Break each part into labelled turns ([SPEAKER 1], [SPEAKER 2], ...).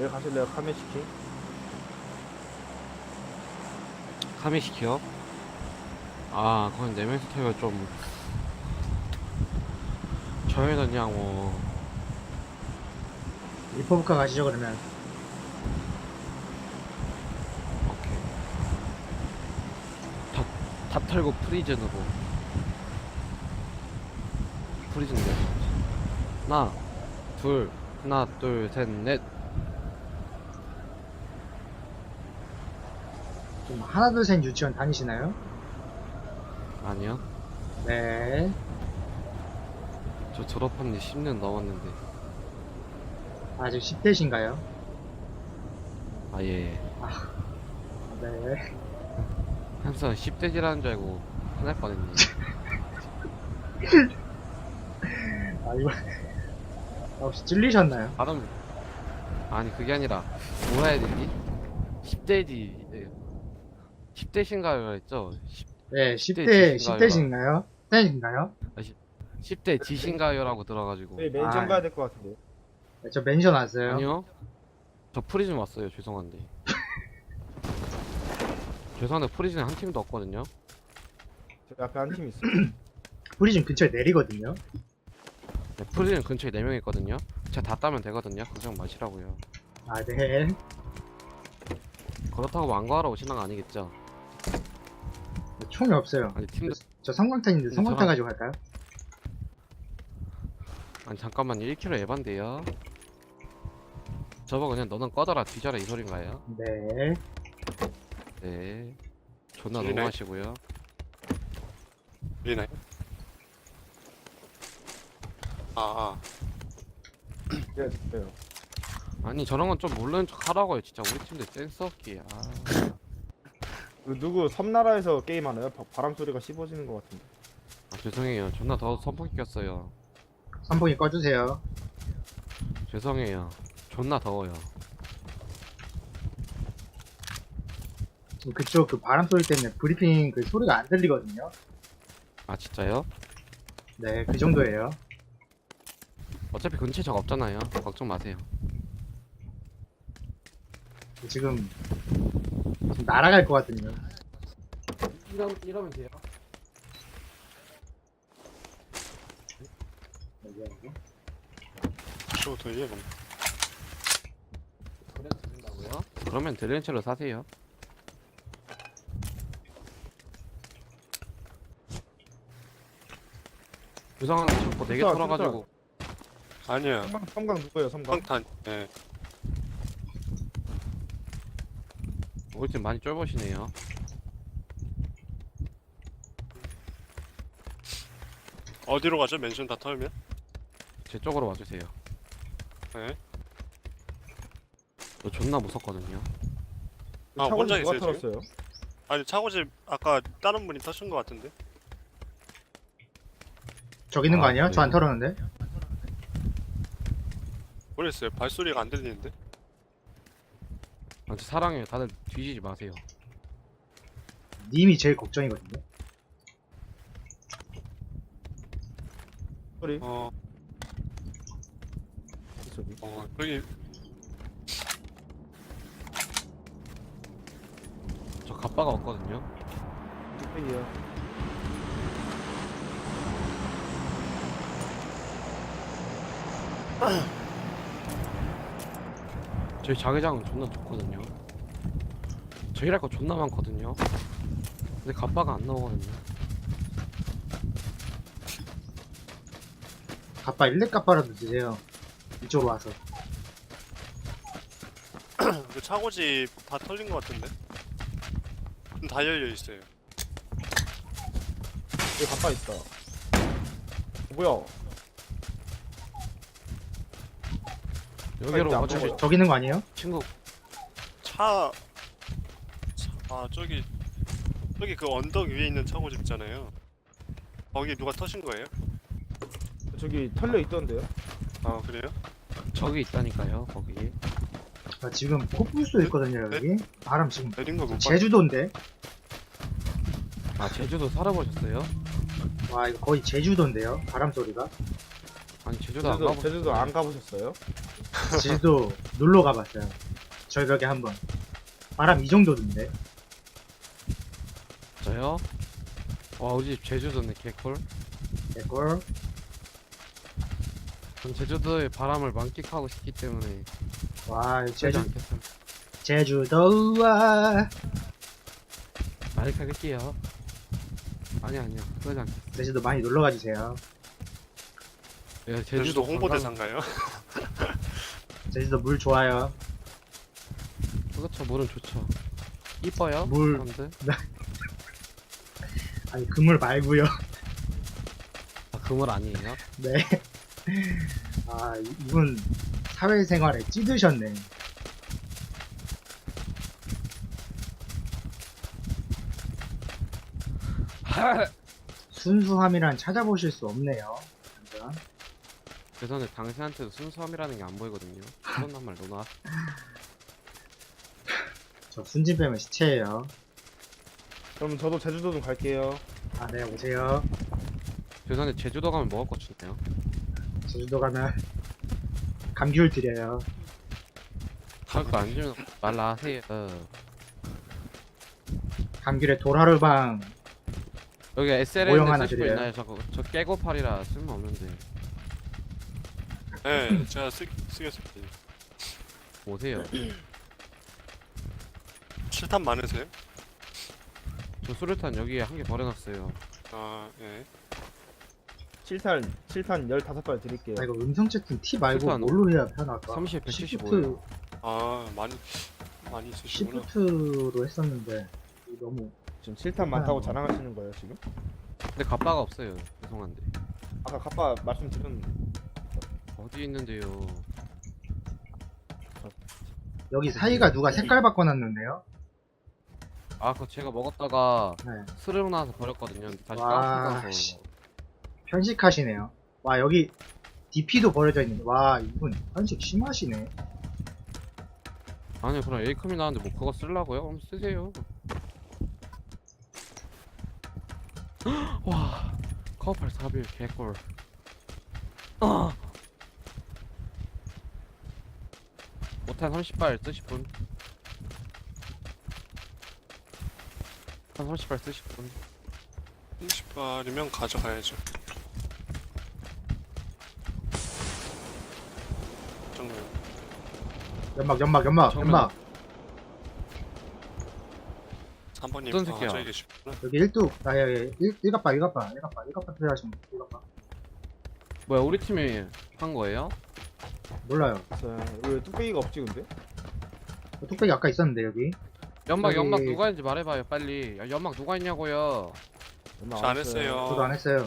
[SPEAKER 1] 여기 가실래요? 카메시키?
[SPEAKER 2] 카메시키요? 아, 그건 4명이서 타기가 좀 저희는 그냥 뭐
[SPEAKER 3] 리퍼브카 가시죠 그러면.
[SPEAKER 2] 오케이 다 털고 프리즌으로 프리즌 내려 하나 둘 셋 넷.
[SPEAKER 3] 좀 하나 둘 셋 유치원 다니시나요?
[SPEAKER 2] 아니요,
[SPEAKER 3] 네.
[SPEAKER 2] 저 졸업한 지 10년 넘었는데.
[SPEAKER 3] 아직 10대신가요?
[SPEAKER 2] 예.
[SPEAKER 3] 네.
[SPEAKER 2] 항상 10대지라는 줄 알고 화날 뻔했네.
[SPEAKER 3] 아 이거 혹시 찔리셨나요?
[SPEAKER 2] 발음 아니 그게 아니라 뭐라 해야 되지? 10대지 10대신가요 했죠?
[SPEAKER 3] 네,
[SPEAKER 2] 10대
[SPEAKER 3] 10대신가요? 10대신가요?
[SPEAKER 2] 10대 지신가요라고 들어가지고.
[SPEAKER 1] 저희 멘션
[SPEAKER 3] 아.
[SPEAKER 1] 가야 될 것 같은데.
[SPEAKER 3] 네, 저 멘션 왔어요.
[SPEAKER 2] 아니요, 저 프리즌 왔어요. 죄송한데. 죄송한데 프리즌에 한 팀도 없거든요.
[SPEAKER 1] 저기 앞에 한 팀 있어요.
[SPEAKER 3] 프리즘 근처에 내리거든요.
[SPEAKER 2] 네, 프리즌 근처에 4명 있거든요. 제가 다 따면 되거든요. 걱정 마시라고요.
[SPEAKER 3] 아, 네.
[SPEAKER 2] 그렇다고 완거하러 오시는 거 아니겠죠?
[SPEAKER 3] 총이 없어요.
[SPEAKER 2] 아니 팀도
[SPEAKER 3] 저 성광탄인데 성광탄
[SPEAKER 2] 저랑-
[SPEAKER 3] 가지고 갈까요?
[SPEAKER 2] 아니 잠깐만요. 1kg 에반데요. 저거 그냥 너는 꺼져라 뒤져라 이 소린가요?
[SPEAKER 3] 네.
[SPEAKER 2] 네. 존나
[SPEAKER 4] 들리나요?
[SPEAKER 2] 너무하시고요.
[SPEAKER 4] 들리나요?
[SPEAKER 1] 네, 됐어요.
[SPEAKER 2] 아니 저런 건 좀 모르는 척 하라고요. 진짜 우리 팀들 센스 없기.
[SPEAKER 1] 그 누구 섬나라에서 게임하나요? 바람 소리가 씹어지는 것 같은데.
[SPEAKER 2] 죄송해요. 존나 더 선풍기 꼈어요.
[SPEAKER 3] 선풍기 꺼주세요.
[SPEAKER 2] 죄송해요. 존나 더워요.
[SPEAKER 3] 그쪽 그 바람 소리 때문에 브리핑 그 소리가 안 들리거든요.
[SPEAKER 2] 아 진짜요?
[SPEAKER 3] 네, 그 정도예요.
[SPEAKER 2] 어차피 근처에 적 없잖아요. 걱정 마세요.
[SPEAKER 3] 지금 날아갈 것 같거든요.
[SPEAKER 2] 이러면 돼요.
[SPEAKER 4] 쇼 돌려 그럼.
[SPEAKER 2] 드린다고요? 그러면 드렌처로 사세요. 죄송한데 자꾸 4개
[SPEAKER 1] 진짜,
[SPEAKER 2] 털어가지고.
[SPEAKER 4] 아니야.
[SPEAKER 1] 섬광 누구예요? 섬광?
[SPEAKER 4] 평탄. 예.
[SPEAKER 2] 우리 팀 많이 쫄보시네요.
[SPEAKER 4] 어디로 가죠? 멘션 다 털면?
[SPEAKER 2] 제 쪽으로 와주세요.
[SPEAKER 4] 예.
[SPEAKER 2] 저 존나 무섭거든요.
[SPEAKER 4] 아,
[SPEAKER 1] 차고
[SPEAKER 4] 혼자
[SPEAKER 1] 누가
[SPEAKER 4] 있어요, 지금?
[SPEAKER 1] 털었어요?
[SPEAKER 4] 아니 차고집 아까 다른 분이 터신 것 같은데.
[SPEAKER 3] 저기 있는 거
[SPEAKER 2] 아,
[SPEAKER 3] 아니에요? 저 안
[SPEAKER 2] 그래요?
[SPEAKER 3] 털었는데?
[SPEAKER 4] 모르겠어요. 발소리가 안 들리는데.
[SPEAKER 2] 아, 저 사랑해요. 다들 뒤지지 마세요.
[SPEAKER 3] 님이 제일 걱정이거든요.
[SPEAKER 1] 소리?
[SPEAKER 4] 어,
[SPEAKER 1] 저기.
[SPEAKER 4] 여기
[SPEAKER 2] 저 갑바가 없거든요.
[SPEAKER 1] 뚝배기요.
[SPEAKER 2] 저희 자개장은 존나 좋거든요. 저 일할 거 존나 많거든요. 근데 갑바가 안 나오거든요.
[SPEAKER 3] 갑바 일렉 갑바라도 드세요. 이쪽으로 와서.
[SPEAKER 4] 그 차고집 다 털린 것 같은데. 다 열려 있어요.
[SPEAKER 1] 여기 가빠 있다. 뭐야?
[SPEAKER 2] 여기로
[SPEAKER 1] 안
[SPEAKER 2] 와주시
[SPEAKER 1] 보여요.
[SPEAKER 3] 저기 있는 거 아니에요?
[SPEAKER 2] 친구.
[SPEAKER 4] 아 저기 그 언덕 위에 있는 차고집 있잖아요. 거기 누가 터신 거예요?
[SPEAKER 1] 저기 털려 있던데요?
[SPEAKER 4] 아 그래요?
[SPEAKER 2] 저기 있다니까요. 거기.
[SPEAKER 3] 저 지금 코뿔소 있거든요, 여기. 바람 지금
[SPEAKER 4] 내린 거 못 봤.
[SPEAKER 3] 제주도인데?
[SPEAKER 2] 아 제주도 살아보셨어요?
[SPEAKER 3] 와, 이거 거의 제주도인데요? 바람 소리가?
[SPEAKER 2] 아니 제주도 안
[SPEAKER 1] 제주도,
[SPEAKER 2] 가보셨어요?
[SPEAKER 1] 제주도 안 가보셨어요?
[SPEAKER 3] 제주도 놀러 가봤어요. 절벽에 한번. 바람 이 정도던데.
[SPEAKER 2] 저요? 와 우리 집 제주도네 개꿀.
[SPEAKER 3] 개꿀.
[SPEAKER 2] 전 제주도의 바람을 만끽하고 싶기 때문에
[SPEAKER 3] 와,
[SPEAKER 2] 그러지 않겠습니다.
[SPEAKER 3] 제주도와
[SPEAKER 2] 마이크 할게요. 아니야 그러지 않겠습니다.
[SPEAKER 3] 제주도 많이 놀러 가주세요.
[SPEAKER 2] 예,
[SPEAKER 4] 제주도
[SPEAKER 2] 관광-
[SPEAKER 4] 홍보대사인가요?
[SPEAKER 3] 제주도 물 좋아요.
[SPEAKER 2] 그렇죠. 물은 좋죠. 이뻐요.
[SPEAKER 3] 물-
[SPEAKER 2] 사람들.
[SPEAKER 3] 아니, 그물 말고요.
[SPEAKER 2] 아, 그물 아니에요?
[SPEAKER 3] 네. 아, 이분 사회생활에 찌드셨네. 순수함이란 찾아보실 수 없네요. 완전.
[SPEAKER 2] 죄송한데 당신한테도 순수함이라는 게 안 보이거든요. 그런 말 너나.
[SPEAKER 3] 저 순진 빼면 시체예요.
[SPEAKER 1] 그럼 저도 제주도 좀 갈게요.
[SPEAKER 3] 아, 네, 오세요.
[SPEAKER 2] 죄송한데 제주도 가면 먹을 거 주네요.
[SPEAKER 3] 제주도 가면 감귤 드려요.
[SPEAKER 2] 가격도 안 주면 말라 하세요.
[SPEAKER 3] 감귤에 돌하루방.
[SPEAKER 2] 여기
[SPEAKER 3] 모형
[SPEAKER 2] SLN
[SPEAKER 3] 하나
[SPEAKER 2] 쓰시고
[SPEAKER 3] 드려요.
[SPEAKER 2] 있나요? 저 깨고팔이라 쓸모없는데.
[SPEAKER 4] 네, 제가 쓰겠습니다.
[SPEAKER 2] 오세요.
[SPEAKER 4] 7탄 많으세요?
[SPEAKER 2] 저 수류탄 여기에 한 개 버려놨어요.
[SPEAKER 4] 아, 예.
[SPEAKER 1] 7탄 15발 드릴게요.
[SPEAKER 3] 아, 이거 음성 채팅 T 말고
[SPEAKER 2] 최소한
[SPEAKER 3] 뭘로 해야 편할까?
[SPEAKER 2] 30, 175
[SPEAKER 3] 시프트,
[SPEAKER 2] 예요.
[SPEAKER 4] 아, 많이 쓰시구나.
[SPEAKER 3] 시프트로 했었는데 이거 너무
[SPEAKER 1] 지금 7탄 많다고 자랑하시는 거예요 지금?
[SPEAKER 2] 근데 갑바가 없어요. 죄송한데.
[SPEAKER 1] 아까 갑바 말씀드렸는데.
[SPEAKER 2] 어디 있는데요?
[SPEAKER 3] 여기 사이가 누가 색깔 바꿔놨는데요?
[SPEAKER 2] 아, 그거 제가 먹었다가
[SPEAKER 3] 네.
[SPEAKER 2] 스르륵 나와서 버렸거든요. 근데 다시
[SPEAKER 3] 와,
[SPEAKER 2] 까서
[SPEAKER 3] 씨. 편식하시네요. 와, 여기 DP도 버려져 있는데 와, 이분 편식 심하시네.
[SPEAKER 2] 아니요, 그럼 에이컴이 나왔는데 뭐 그거 쓰려고요? 그럼 쓰세요. 와, 커팔 4빌 개꿀. 못한 30발 쓰실 분? 한 30발 쓰실 분?
[SPEAKER 4] 30발이면 가져가야죠. 정말.
[SPEAKER 3] 연막.
[SPEAKER 2] 정면.
[SPEAKER 4] 3번님,
[SPEAKER 2] 어떤 새끼야?
[SPEAKER 4] 저기 계시구나.
[SPEAKER 3] 여기 1뚝. 아, 여기 1갑바 필요하시면 1갑바.
[SPEAKER 2] 뭐야, 우리 팀이 한 거예요?
[SPEAKER 3] 몰라요.
[SPEAKER 1] 왜 뚝배기가 없지 근데?
[SPEAKER 3] 뚝배기 아까 있었는데 여기.
[SPEAKER 2] 연막
[SPEAKER 3] 여기-
[SPEAKER 2] 누가 했는지 말해봐요, 빨리. 야, 연막 누가 했냐고요?
[SPEAKER 1] 얼마
[SPEAKER 4] 저 안 했어요.
[SPEAKER 3] 저도 안 했어요.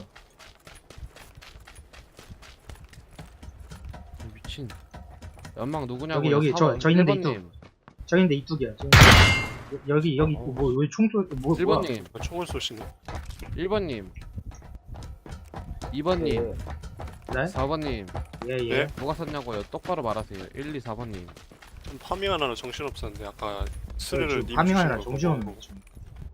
[SPEAKER 2] 미친. 연막 누구냐고요?
[SPEAKER 3] 여기, 저 있는데
[SPEAKER 2] 1번님.
[SPEAKER 3] 저기 있는데 이뚝이야. 여기 뭐 왜 총소 뭐
[SPEAKER 2] 1번님.
[SPEAKER 4] 총을 쏘시네.
[SPEAKER 2] 1번님. 2번님.
[SPEAKER 3] 네?
[SPEAKER 2] 4번님.
[SPEAKER 3] 예.
[SPEAKER 4] 네?
[SPEAKER 2] 누가 썼냐고요? 똑바로 말하세요. 1, 2, 4번님.
[SPEAKER 4] 좀 파밍하느라 정신없었는데 아까 스르를 님
[SPEAKER 3] 파밍하느라
[SPEAKER 4] 주신 거
[SPEAKER 3] 정신없네.
[SPEAKER 4] 보고.
[SPEAKER 3] 지금.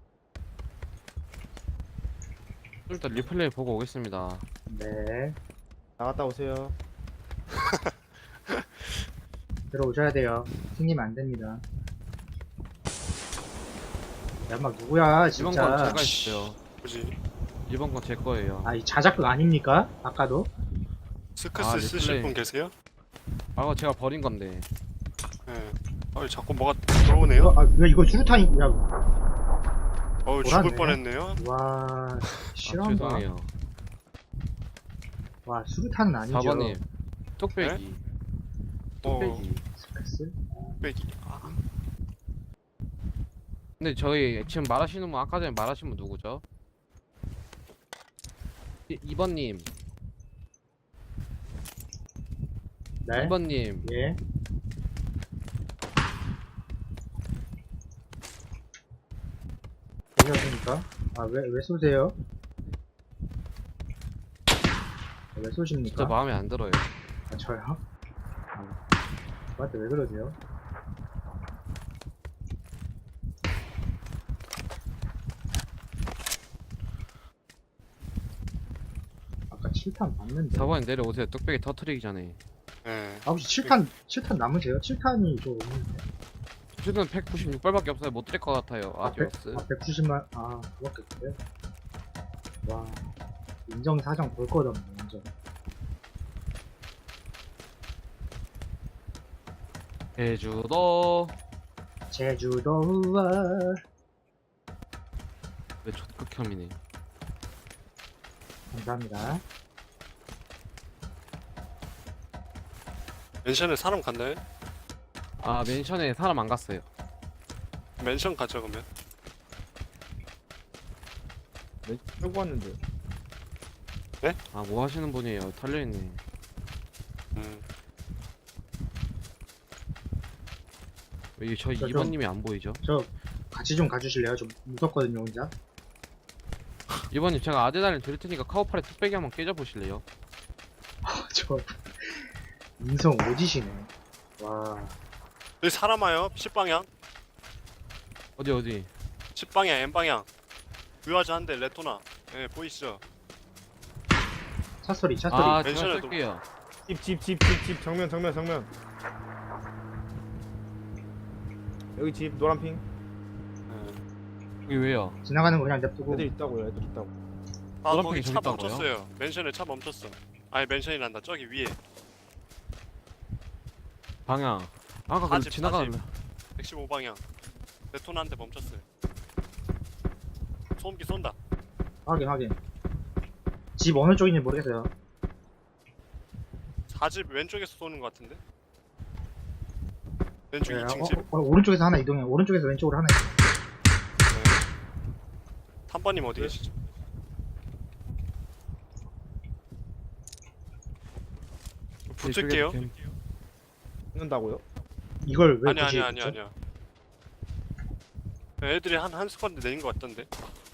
[SPEAKER 2] 좀 이따 리플레이 보고 오겠습니다.
[SPEAKER 3] 네.
[SPEAKER 1] 나갔다 오세요.
[SPEAKER 3] 들어오셔야 돼요. 튕기면 안 됩니다. 연막 누구야
[SPEAKER 2] 이번 건
[SPEAKER 3] 진짜.
[SPEAKER 2] 제가 했어요.
[SPEAKER 4] 뭐지?
[SPEAKER 2] 이번 건 제 거예요.
[SPEAKER 3] 아, 이 자작극 아닙니까? 아까도?
[SPEAKER 4] 스크스
[SPEAKER 2] 아,
[SPEAKER 4] 쓰실
[SPEAKER 2] 리플레이.
[SPEAKER 4] 분 계세요?
[SPEAKER 2] 아, 그거 제가 버린 건데.
[SPEAKER 4] 예. 자꾸 뭐가 들어오네요?
[SPEAKER 3] 왜 이거 수류탄이, 야,
[SPEAKER 4] 죽을
[SPEAKER 3] 뭐라네.
[SPEAKER 4] 뻔했네요.
[SPEAKER 3] 와,
[SPEAKER 2] 아,
[SPEAKER 3] 싫어한다.
[SPEAKER 2] 죄송해요.
[SPEAKER 3] 와, 수류탄은 아니죠.
[SPEAKER 2] 4번님. 뚝배기. 뚝배기.
[SPEAKER 3] 스크스?
[SPEAKER 4] 빼기.
[SPEAKER 2] 근데 저희 지금 말하시는 분 아까 전에 말하신 분 누구죠? 2번님.
[SPEAKER 3] 네?
[SPEAKER 2] 2번님.
[SPEAKER 3] 예. 되셨습니까? 아, 왜 쏘세요? 왜 쏘십니까?
[SPEAKER 2] 진짜 마음에 안 들어요.
[SPEAKER 3] 아, 저요? 저한테 왜 그러세요? 아까 7탄 봤는데.
[SPEAKER 2] 4번님 내려오세요. 뚝배기 터트리기 전에.
[SPEAKER 4] 예.
[SPEAKER 3] 아, 혹시 7탄 남으세요? 7탄이 저 없는데.
[SPEAKER 2] 저는 196발밖에 없어요. 못 드릴 것 같아요. 아디오스.
[SPEAKER 3] 190만, 그밖에 없어요? 와, 인정사정 볼 것 없네, 인정.
[SPEAKER 2] 제주도.
[SPEAKER 3] 제주도와,
[SPEAKER 2] 왜 적극혐이네.
[SPEAKER 3] 감사합니다.
[SPEAKER 4] 맨션에 사람 갔나요?
[SPEAKER 2] 아 맨션에 사람 안 갔어요.
[SPEAKER 4] 맨션 가자 그러면.
[SPEAKER 1] 네, 끌고 왔는데.
[SPEAKER 2] 아 뭐 하시는 분이에요? 털려있네.
[SPEAKER 4] 음.
[SPEAKER 2] 왜 저
[SPEAKER 3] 저
[SPEAKER 2] 2번님이 안 보이죠?
[SPEAKER 3] 저, 같이 좀 가주실래요? 좀 무섭거든요, 혼자.
[SPEAKER 2] 2번님 제가 아데단을 드릴 테니까 카우팔에 뚝배기 한번 깨져보실래요?
[SPEAKER 3] 저, 인성 오지시네. 와,
[SPEAKER 4] 여기 사람 와요. 10방향.
[SPEAKER 2] 어디?
[SPEAKER 4] 10방향 N방향. 유아자 한대 레토나. 예 보이시죠?
[SPEAKER 3] 차소리.
[SPEAKER 2] 아 제가
[SPEAKER 4] 맨션에도-
[SPEAKER 2] 쏠게요.
[SPEAKER 1] 집 정면. 여기 집 노란핑.
[SPEAKER 4] 예.
[SPEAKER 2] 여기 왜요?
[SPEAKER 3] 지나가는 거 그냥 냅두고.
[SPEAKER 1] 애들 있다고요. 애들 있다고.
[SPEAKER 4] 아
[SPEAKER 2] 노란색이
[SPEAKER 4] 거기
[SPEAKER 2] 저기
[SPEAKER 4] 차
[SPEAKER 2] 있다고요?
[SPEAKER 4] 멈췄어요. 맨션에 차 멈췄어. 아니 맨션이란다. 저기 위에.
[SPEAKER 2] 방향. 아까 그
[SPEAKER 4] 사집,
[SPEAKER 2] 지나가는
[SPEAKER 4] 115방향. 레토나 한대 멈췄어요. 소음기 쏜다.
[SPEAKER 3] 확인. 집 어느 쪽인지 모르겠어요.
[SPEAKER 4] 4집 왼쪽에서 쏘는 것 같은데? 왼쪽
[SPEAKER 3] 네,
[SPEAKER 4] 2층 집.
[SPEAKER 3] 오른쪽에서 하나 이동해. 오른쪽에서 왼쪽으로 하나 이동해.
[SPEAKER 4] 3번님 어디
[SPEAKER 1] 네.
[SPEAKER 4] 계시죠? 붙을게요.
[SPEAKER 1] 붙는다고요?
[SPEAKER 3] 이걸 왜
[SPEAKER 4] 아니야
[SPEAKER 3] 굳이
[SPEAKER 4] 아니야
[SPEAKER 3] 했죠?
[SPEAKER 4] 아니야. 애들이 한 스쿼드 내린 것 같던데.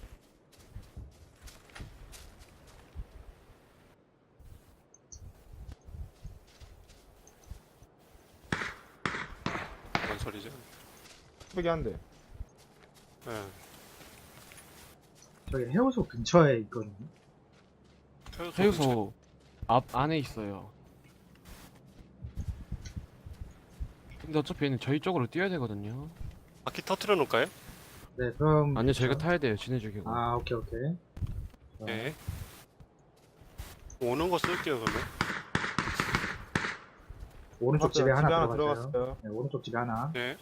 [SPEAKER 4] 뭔 소리지?
[SPEAKER 1] 뚝배기 한 대.
[SPEAKER 4] 예.
[SPEAKER 3] 저기 해우소 근처에 있거든요.
[SPEAKER 2] 해유소 앞 안에 있어요. 근데 어차피 얘는 저희 쪽으로 뛰어야 되거든요.
[SPEAKER 4] 바퀴 터트려 놓을까요?
[SPEAKER 3] 네, 그럼.
[SPEAKER 2] 아니요 저희가 타야 돼요. 진해 죽이고.
[SPEAKER 3] 오케이.
[SPEAKER 4] 예. 오는 거 쓸게요 그러면.
[SPEAKER 3] 오른쪽 집에 하나 들어갔어요.
[SPEAKER 1] 들어갔어요.
[SPEAKER 3] 네, 오른쪽 집에 하나.
[SPEAKER 4] 예.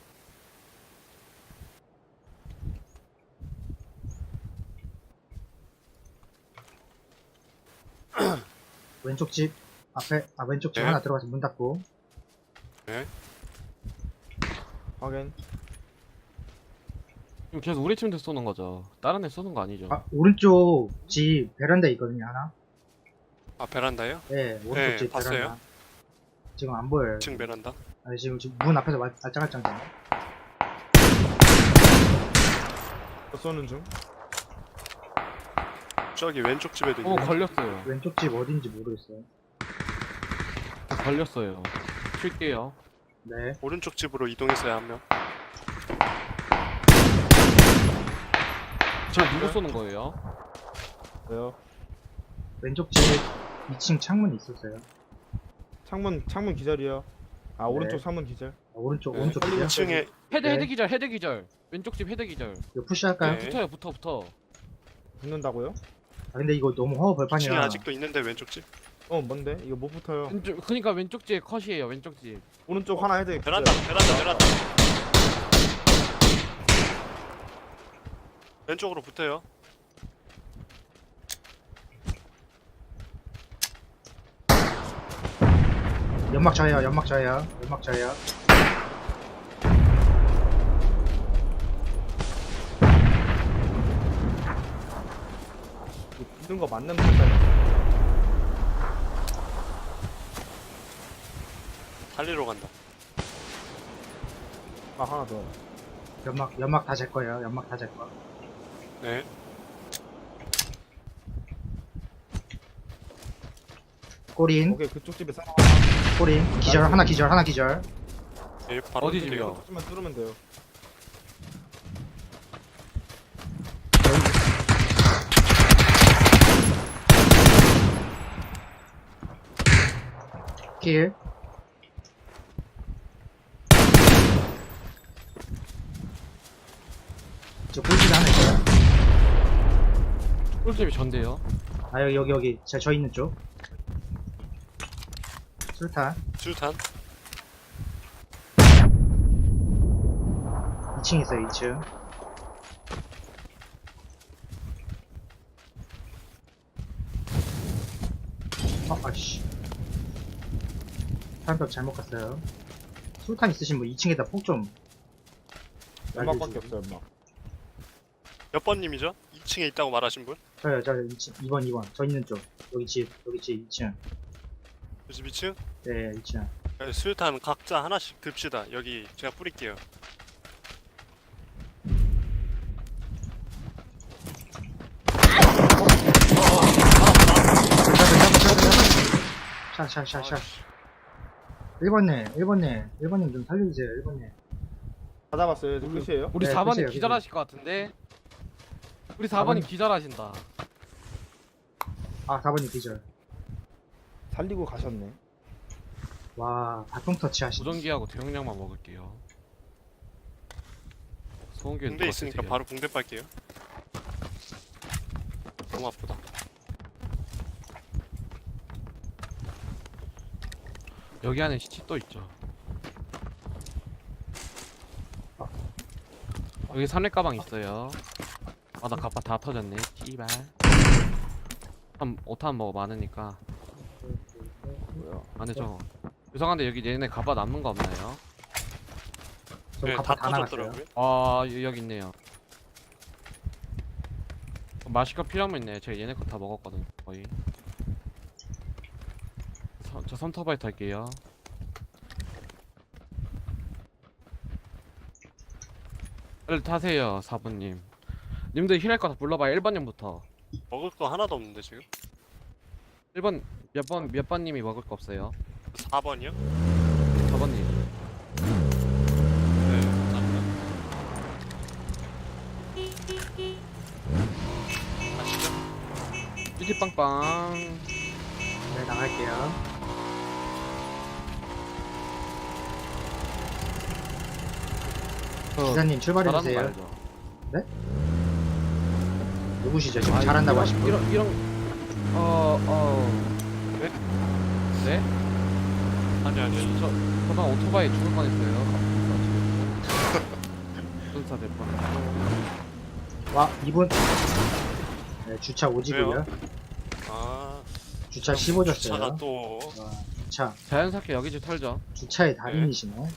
[SPEAKER 3] 왼쪽 집 앞에, 왼쪽 집
[SPEAKER 4] 네.
[SPEAKER 3] 하나 들어가서 문 닫고.
[SPEAKER 1] 확인.
[SPEAKER 2] 지금 계속 우리 팀한테 쏘는 거죠. 다른 애 쏘는 거 아니죠?
[SPEAKER 3] 오른쪽 집 베란다에 있거든요, 하나.
[SPEAKER 4] 아 베란다요?
[SPEAKER 3] 네, 오른쪽
[SPEAKER 4] 네,
[SPEAKER 3] 집
[SPEAKER 4] 봤어요.
[SPEAKER 3] 베란다. 지금 안 보여요.
[SPEAKER 4] 2층 베란다.
[SPEAKER 3] 아니, 지금 문 앞에서 알짱알짱.
[SPEAKER 1] 쏘는 중.
[SPEAKER 4] 저기 왼쪽 집에도
[SPEAKER 2] 어
[SPEAKER 4] 있네.
[SPEAKER 2] 걸렸어요.
[SPEAKER 3] 왼쪽 집 어딘지 모르겠어요.
[SPEAKER 2] 걸렸어요. 칠게요.
[SPEAKER 3] 네.
[SPEAKER 4] 오른쪽 집으로 이동했어요 한 명.
[SPEAKER 2] 저 누구 쏘는 거예요?
[SPEAKER 1] 왜요?
[SPEAKER 3] 왼쪽 집 2층 창문이 있었어요.
[SPEAKER 1] 창문 기절이요. 아 오른쪽
[SPEAKER 3] 네.
[SPEAKER 1] 창문 기절.
[SPEAKER 3] 오른쪽
[SPEAKER 4] 네.
[SPEAKER 3] 집이요?
[SPEAKER 4] 2층에
[SPEAKER 2] 헤드 기절. 왼쪽 집 헤드 기절.
[SPEAKER 3] 이거 푸시할까요?
[SPEAKER 4] 네.
[SPEAKER 2] 붙어.
[SPEAKER 1] 붙는다고요?
[SPEAKER 3] 근데 이거 너무 허허
[SPEAKER 4] 2층에
[SPEAKER 3] 벌판이라.
[SPEAKER 4] 아직도 있는데 왼쪽 집.
[SPEAKER 1] 뭔데? 이거 못 붙어요.
[SPEAKER 2] 그니까 왼쪽 집 컷이에요. 왼쪽 집.
[SPEAKER 1] 오른쪽 하나 헤드.
[SPEAKER 4] 베란다. 왼쪽으로 붙어요.
[SPEAKER 3] 연막 저예요.
[SPEAKER 1] 붙는 거 맞는 판단.
[SPEAKER 4] 달리러 간다.
[SPEAKER 1] 아 하나 더.
[SPEAKER 3] 연막 다 제 거예요.
[SPEAKER 4] 네.
[SPEAKER 3] 꼬린.
[SPEAKER 1] 오케이 그쪽 집에 싸워.
[SPEAKER 3] 꼬린. 기절, 하나 기절.
[SPEAKER 4] 네 바로
[SPEAKER 2] 어디
[SPEAKER 4] 뛸게요.
[SPEAKER 2] 집이요?
[SPEAKER 1] 조금만 뚫으면 돼요.
[SPEAKER 3] 킬. 저 꿀집 하나 있어요.
[SPEAKER 2] 꿀집이 전데요.
[SPEAKER 3] 아, 여기. 저 있는 쪽. 술탄.
[SPEAKER 4] 수류탄.
[SPEAKER 3] 2층 있어요, 2층. 아씨. 사람벽 잘못 갔어요. 술탄 있으신 분 2층에다 폭 좀.
[SPEAKER 1] 연막밖에 없어요, 연막.
[SPEAKER 4] 몇 번님이죠? 2층에 있다고 말하신 분?
[SPEAKER 3] 저요, 2번. 저 있는 쪽. 여기 집 2층.
[SPEAKER 4] 그 집 2층?
[SPEAKER 3] 네, 2층.
[SPEAKER 4] 수류탄 각자 하나씩 듭시다. 여기 제가 뿌릴게요.
[SPEAKER 3] 샷. 1번님 좀 살려주세요, 1번님.
[SPEAKER 1] 다 잡았어요. 이제 끝이에요.
[SPEAKER 2] 우리
[SPEAKER 3] 네,
[SPEAKER 2] 4번이
[SPEAKER 3] 끝이에요,
[SPEAKER 2] 기절하실 것 같은데. 우리
[SPEAKER 3] 4번이
[SPEAKER 2] 4번이 기절하신다.
[SPEAKER 3] 아, 4번님 기절.
[SPEAKER 1] 살리고 가셨네.
[SPEAKER 3] 와, 바통 터치 하시네.
[SPEAKER 2] 무전기하고 대용량만 먹을게요. 소음기는
[SPEAKER 4] 붕대 있으니까
[SPEAKER 2] 되게-
[SPEAKER 4] 바로 붕대 빨게요. 너무 아프다.
[SPEAKER 2] 여기 안에 시체 또 있죠. 여기 산내 가방 있어요. 아, 나 갑바 다 터졌네. 씨발. 5탄 먹어 많으니까.
[SPEAKER 1] 뭐야?
[SPEAKER 2] 안에 저. 죄송한데 여기 얘네 갑바 남는 거 없나요?
[SPEAKER 3] 저
[SPEAKER 4] 네,
[SPEAKER 3] 갑바
[SPEAKER 4] 다
[SPEAKER 3] 다 나갔어요.
[SPEAKER 4] 터졌더라고요.
[SPEAKER 2] 아, 여기 있네요. 마실 거 필요하면 있네. 제가 얘네 거 다 먹었거든, 거의. 저 선터바이 탈게요. 빨리 타세요, 4번님. 님들 힐할 거 다 불러봐요. 1번님부터.
[SPEAKER 4] 먹을 거 하나도 없는데 지금?
[SPEAKER 2] 1번, 몇 번님이 먹을 거 없어요?
[SPEAKER 4] 4번이요?
[SPEAKER 2] 4번님.
[SPEAKER 4] 네, 감사합니다. 아시죠?
[SPEAKER 2] 쭈지빵빵.
[SPEAKER 3] 네, 나갈게요. 기사님 출발해주세요.
[SPEAKER 2] 잘하는 거 알죠?
[SPEAKER 3] 누구시죠? 지금
[SPEAKER 2] 아,
[SPEAKER 3] 잘한다고
[SPEAKER 2] 이런-
[SPEAKER 3] 하신 분?
[SPEAKER 2] 이런,
[SPEAKER 4] 네?
[SPEAKER 2] 네?
[SPEAKER 4] 아니.
[SPEAKER 2] 저번 오토바이 죽을 뻔했어요. 순사 될 뻔.
[SPEAKER 3] 와, 이분. 네, 주차 오지고요.
[SPEAKER 4] 아,
[SPEAKER 3] 주차 15줬어요.
[SPEAKER 4] 주차가 또
[SPEAKER 3] 와, 주차.
[SPEAKER 2] 자연스럽게 여기 집 털죠.
[SPEAKER 3] 주차의 달인이시네.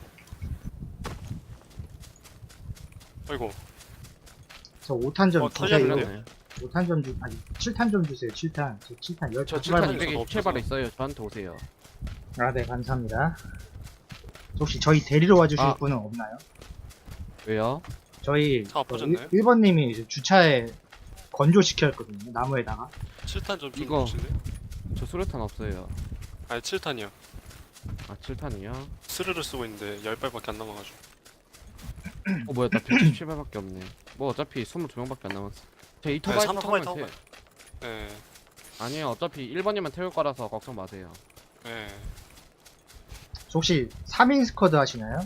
[SPEAKER 4] 아이고.
[SPEAKER 3] 저 5탄 좀 주세요.
[SPEAKER 4] 털렸네.
[SPEAKER 2] 그러네.
[SPEAKER 3] 5탄 좀 아니 7탄 좀 주세요. 7탄. 저 7탄 10탄
[SPEAKER 2] 저
[SPEAKER 4] 출발
[SPEAKER 2] 7탄
[SPEAKER 4] 저도
[SPEAKER 2] 227발 있어요. 저한테 오세요.
[SPEAKER 3] 아, 네, 감사합니다. 혹시 저희 데리러 와주실
[SPEAKER 2] 아.
[SPEAKER 3] 분은 없나요?
[SPEAKER 2] 왜요?
[SPEAKER 3] 저희
[SPEAKER 4] 차 엎어졌나요?
[SPEAKER 3] 1번님이 주차에 건조시켰거든요. 나무에다가.
[SPEAKER 4] 7탄 좀
[SPEAKER 2] 이거.
[SPEAKER 4] 주실래요?
[SPEAKER 2] 저 수류탄 없어요.
[SPEAKER 4] 아니 7탄이요.
[SPEAKER 2] 아 7탄이요?
[SPEAKER 4] 스르르 쓰고 있는데 10발밖에 안 남아가지고.
[SPEAKER 2] 뭐야 나 177발밖에 없네. 뭐 어차피 22명밖에 안 남았어. 제 이토바이 타고
[SPEAKER 4] 삼토바이
[SPEAKER 2] 가면
[SPEAKER 4] 타고
[SPEAKER 2] 돼.
[SPEAKER 4] 예,
[SPEAKER 2] 아니요 어차피 1번이면 태울 거라서 걱정 마세요.
[SPEAKER 4] 예.
[SPEAKER 3] 저 혹시 3인 스쿼드 하시나요?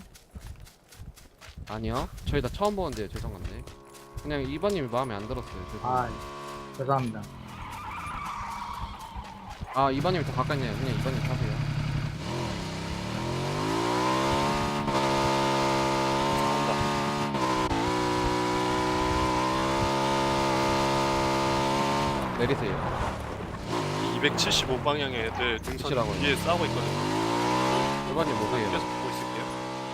[SPEAKER 2] 아니요 저희 다 처음 보는데 죄송한데 그냥 2번님이 마음에 안 들었어요.
[SPEAKER 3] 아, 죄송합니다.
[SPEAKER 2] 아 2번님이 더 가까이 있네요. 그냥 2번님 타세요. 내리세요.
[SPEAKER 4] 275방향의 애들 등선
[SPEAKER 2] 붙이라고요.
[SPEAKER 4] 뒤에 싸우고 있거든요.
[SPEAKER 2] 1번님 오세요.
[SPEAKER 4] 계속 보고 있을게요.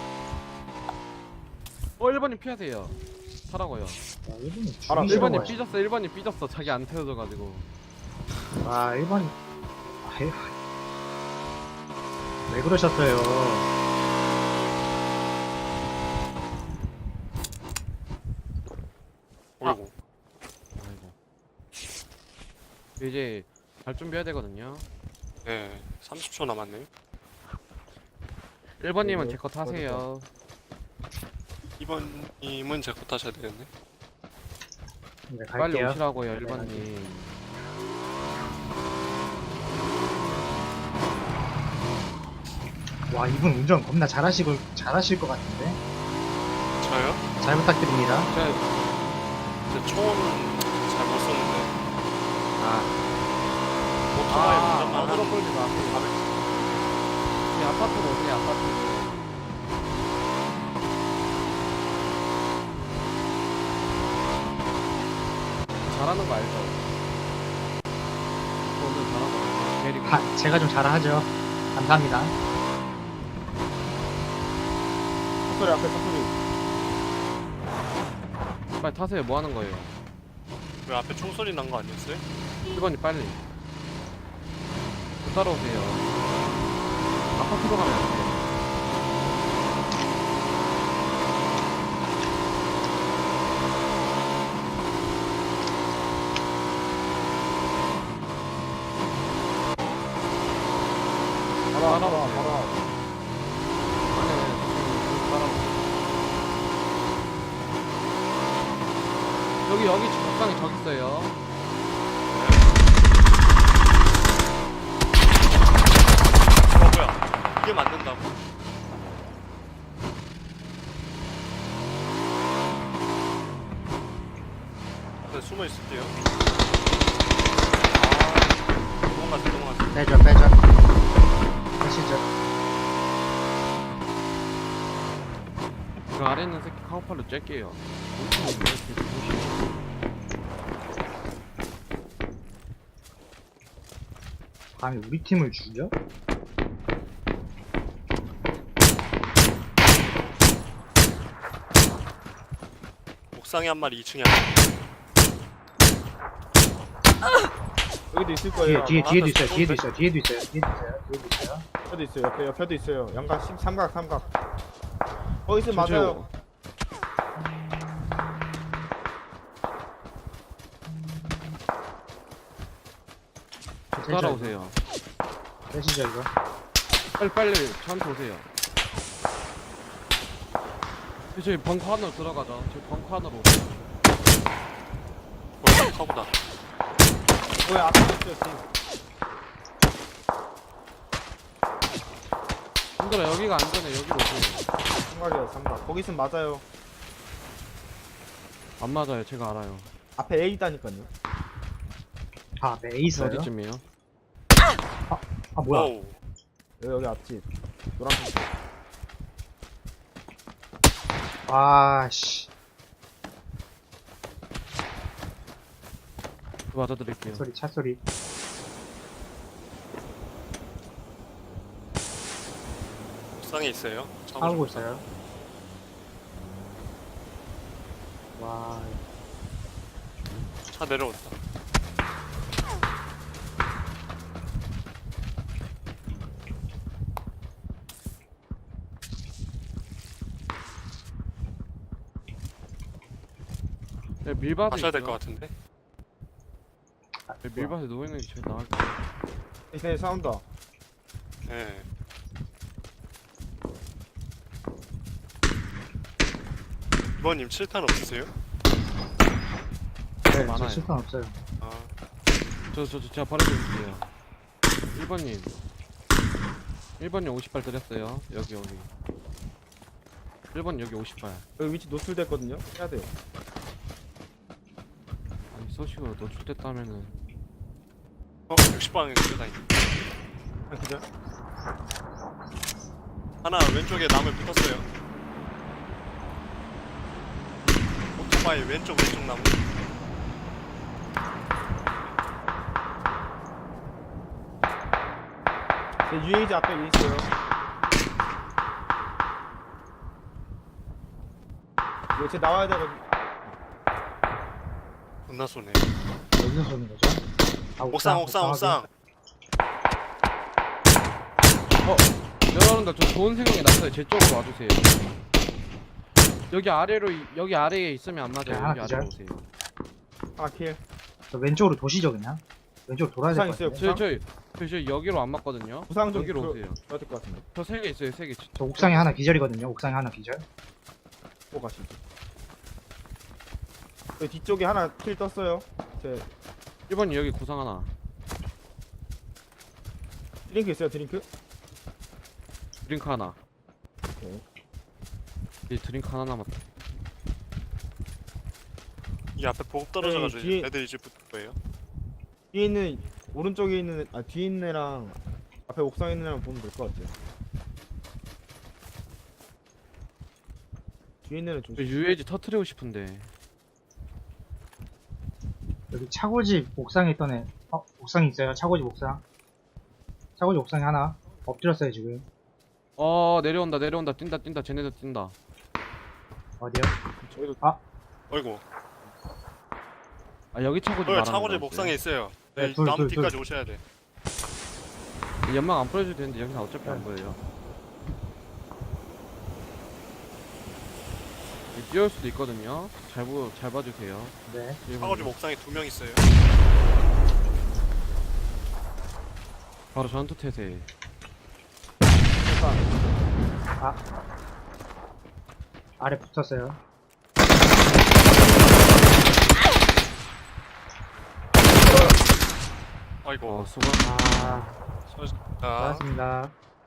[SPEAKER 2] 1번님 피하세요. 타라고요.
[SPEAKER 3] 와, 1번님
[SPEAKER 1] 알아,
[SPEAKER 3] 죽이시러
[SPEAKER 2] 1번님
[SPEAKER 3] 가요.
[SPEAKER 2] 삐졌어. 1번님 삐졌어. 자기 안 태워져가지고.
[SPEAKER 3] 와, 1번. 아유. 왜 그러셨어요?
[SPEAKER 4] 어이구.
[SPEAKER 2] 아이고. 이제 갈 준비해야 되거든요.
[SPEAKER 4] 네, 30초 남았네요.
[SPEAKER 2] 1번님은
[SPEAKER 1] 네,
[SPEAKER 2] 제 거 타세요.
[SPEAKER 4] 2번님은 제 거 타셔야 되겠네.
[SPEAKER 3] 네,
[SPEAKER 2] 빨리
[SPEAKER 3] 갈게요.
[SPEAKER 2] 오시라고요,
[SPEAKER 3] 네,
[SPEAKER 2] 1번님.
[SPEAKER 3] 와, 이분 운전 겁나 잘하실 것 같은데?
[SPEAKER 4] 저요?
[SPEAKER 3] 잘 부탁드립니다.
[SPEAKER 4] 근데 총은 잘 못 쏘는데
[SPEAKER 2] 아,
[SPEAKER 4] 오토바이
[SPEAKER 2] 어그로
[SPEAKER 4] 운전만
[SPEAKER 2] 끌지 마세요. 이 아파트로 오세요, 아파트. 잘하는 거 알죠? 오늘 잘하는 거 데리고.
[SPEAKER 3] 아, 제가 좀 잘하죠. 감사합니다.
[SPEAKER 1] 사소리 앞에 사소리.
[SPEAKER 2] 빨리 타세요. 뭐 하는 거예요?
[SPEAKER 4] 왜 앞에 총소리 난 거 아니었어요?
[SPEAKER 2] 1번이 빨리. 저 따라오세요. 아파트로 가면 안 돼요.
[SPEAKER 1] 봐라,
[SPEAKER 2] 따라오세요.
[SPEAKER 1] 봐라, 봐라.
[SPEAKER 2] 아니, 따라오세요. 여기 적당히 저기 있어요.
[SPEAKER 4] 뭐야? 이게 맞는다고? 네, 숨어 있을게요. 아, 도망갔어.
[SPEAKER 3] 빼죠, 빼죠. 하시죠.
[SPEAKER 2] 그 아래 있는 새끼 카우팔로 쬐게요.
[SPEAKER 3] 감히 우리 팀을 죽여?
[SPEAKER 4] 옥상에 한 마리, 2층에 한 마리.
[SPEAKER 1] 여기도 있을 거예요.
[SPEAKER 3] 뒤에도 있어요, 뒤에도 있어요, 뒤에도 있어요, 뒤에도 있어요, 뒤에도 있어요.
[SPEAKER 1] 옆에도 있어요. 옆에도 있어요. 양각 삼각 삼각. 거기 있으면 맞아요.
[SPEAKER 2] 따라오세요.
[SPEAKER 3] 빼시죠, 이거.
[SPEAKER 2] 빨리 저한테 오세요. 저희 벙커 안으로 들어가자. 저희 벙커 안으로 오세요.
[SPEAKER 4] 뭐야, 카보다.
[SPEAKER 1] 왜 앞에 있어요 지금.
[SPEAKER 2] 힘들어. 여기가 안전해. 여기로 오세요.
[SPEAKER 1] 삼각이에요 삼각. 거기 있으면 맞아요.
[SPEAKER 2] 안 맞아요. 제가 알아요.
[SPEAKER 1] 앞에 A 있다니까요.
[SPEAKER 3] 아, 네, 있어요.
[SPEAKER 2] 어디쯤이에요?
[SPEAKER 3] 아, 뭐야.
[SPEAKER 4] 오우.
[SPEAKER 1] 여기 앞집. 노란색.
[SPEAKER 3] 아, 씨.
[SPEAKER 2] 맞아드릴게요.
[SPEAKER 3] 소리, 차 소리.
[SPEAKER 4] 옥상에 있어요.
[SPEAKER 3] 싸우고 있어요. 와,
[SPEAKER 4] 차 내려온다.
[SPEAKER 2] 네, 밀밭에
[SPEAKER 4] 가셔야 될
[SPEAKER 2] 있어요.
[SPEAKER 4] 것 같은데.
[SPEAKER 2] 네, 밀밭에 누워있는 게 제일 나을 것 같아요.
[SPEAKER 1] 이제 싸운다.
[SPEAKER 4] 예. 이번님 7탄 없으세요?
[SPEAKER 3] 네,
[SPEAKER 2] 많아요.
[SPEAKER 3] 저 실탄 없어요.
[SPEAKER 4] 아,
[SPEAKER 2] 제가 버려드릴게요. 1번님 50발 드렸어요. 여기 1번 여기 50발.
[SPEAKER 1] 여기 위치 노출됐거든요. 해야 돼요.
[SPEAKER 2] 아니 소식으로 노출됐다면은
[SPEAKER 4] 60방에 끌어다니.
[SPEAKER 1] 그죠?
[SPEAKER 4] 하나 왼쪽에 나무에 붙었어요. 오토바이 왼쪽 나무.
[SPEAKER 1] 제 UAG 앞에 있어요. 이거 제 나와야 되거든요.
[SPEAKER 4] 겁나 쏘네.
[SPEAKER 3] 어디서 쏘는 거죠? 아,
[SPEAKER 4] 옥상.
[SPEAKER 2] 여러분들 저 좋은 생각이 났어요. 제 쪽으로 와주세요. 여기 아래에 있으면 안
[SPEAKER 3] 네,
[SPEAKER 2] 맞아요.
[SPEAKER 3] 하나
[SPEAKER 2] 여기 아래로
[SPEAKER 3] 기절.
[SPEAKER 2] 오세요.
[SPEAKER 1] 하나 킬.
[SPEAKER 3] 저 왼쪽으로 도시죠, 그냥? 왼쪽으로 돌아야 될
[SPEAKER 1] 부상
[SPEAKER 3] 것
[SPEAKER 1] 있어요.
[SPEAKER 3] 같아요.
[SPEAKER 2] 저희 여기로 안 맞거든요.
[SPEAKER 1] 부상 좀
[SPEAKER 2] 여기로
[SPEAKER 1] 그-
[SPEAKER 2] 오세요.
[SPEAKER 1] 줘야 될 것 같은데.
[SPEAKER 2] 저 3개 있어요. 3개.
[SPEAKER 3] 저 옥상에 하나 기절이거든요. 옥상에 하나 기절.
[SPEAKER 1] 또 가시죠. 여기 뒤쪽에 하나 킬 떴어요. 제
[SPEAKER 2] 1번이 여기 구상 하나.
[SPEAKER 1] 드링크 있어요. 드링크.
[SPEAKER 2] 드링크 하나.
[SPEAKER 1] 오케이.
[SPEAKER 2] 이 드링크 하나 남았다.
[SPEAKER 4] 이 앞에 보급 떨어져가지고
[SPEAKER 1] 뒤에-
[SPEAKER 4] 애들이 이제 붙을 거예요.
[SPEAKER 1] 뒤에 있는 오른쪽에 있는 뒤에 있는 애랑 앞에 옥상에 있는 애랑 보면 될 것 같아요. 뒤에 있는 애 좀.
[SPEAKER 2] 저 UAG 터트리고 싶은데.
[SPEAKER 3] 여기 차고집 옥상에 있던 애. 옥상 있어요. 차고집 옥상. 차고집 옥상에 하나. 엎드렸어요, 지금.
[SPEAKER 2] 내려온다 내려온다 뛴다 뛴다 쟤네들 뛴다.
[SPEAKER 3] 어디요?
[SPEAKER 2] 저희도
[SPEAKER 4] 어이구.
[SPEAKER 2] 여기 차고지
[SPEAKER 4] 어,
[SPEAKER 2] 말하는
[SPEAKER 4] 차고집
[SPEAKER 2] 거였어요.
[SPEAKER 4] 옥상에 있어요.
[SPEAKER 3] 네,
[SPEAKER 4] 네,
[SPEAKER 3] 둘,
[SPEAKER 4] 나무
[SPEAKER 3] 둘,
[SPEAKER 4] 뒤까지 오셔야 돼.
[SPEAKER 2] 연막 안 뿌려줘도 되는데 여기서 어차피 안
[SPEAKER 3] 네.
[SPEAKER 2] 보여요. 여기 뛰어올 수도 있거든요. 잘 봐주세요.
[SPEAKER 3] 네.
[SPEAKER 4] 차고집 옥상에 2명 있어요.
[SPEAKER 2] 바로 전투 태세.
[SPEAKER 3] 아래 붙었어요.
[SPEAKER 4] 아이고.
[SPEAKER 2] 수고.
[SPEAKER 3] 아,
[SPEAKER 4] 자,
[SPEAKER 3] 고맙습니다.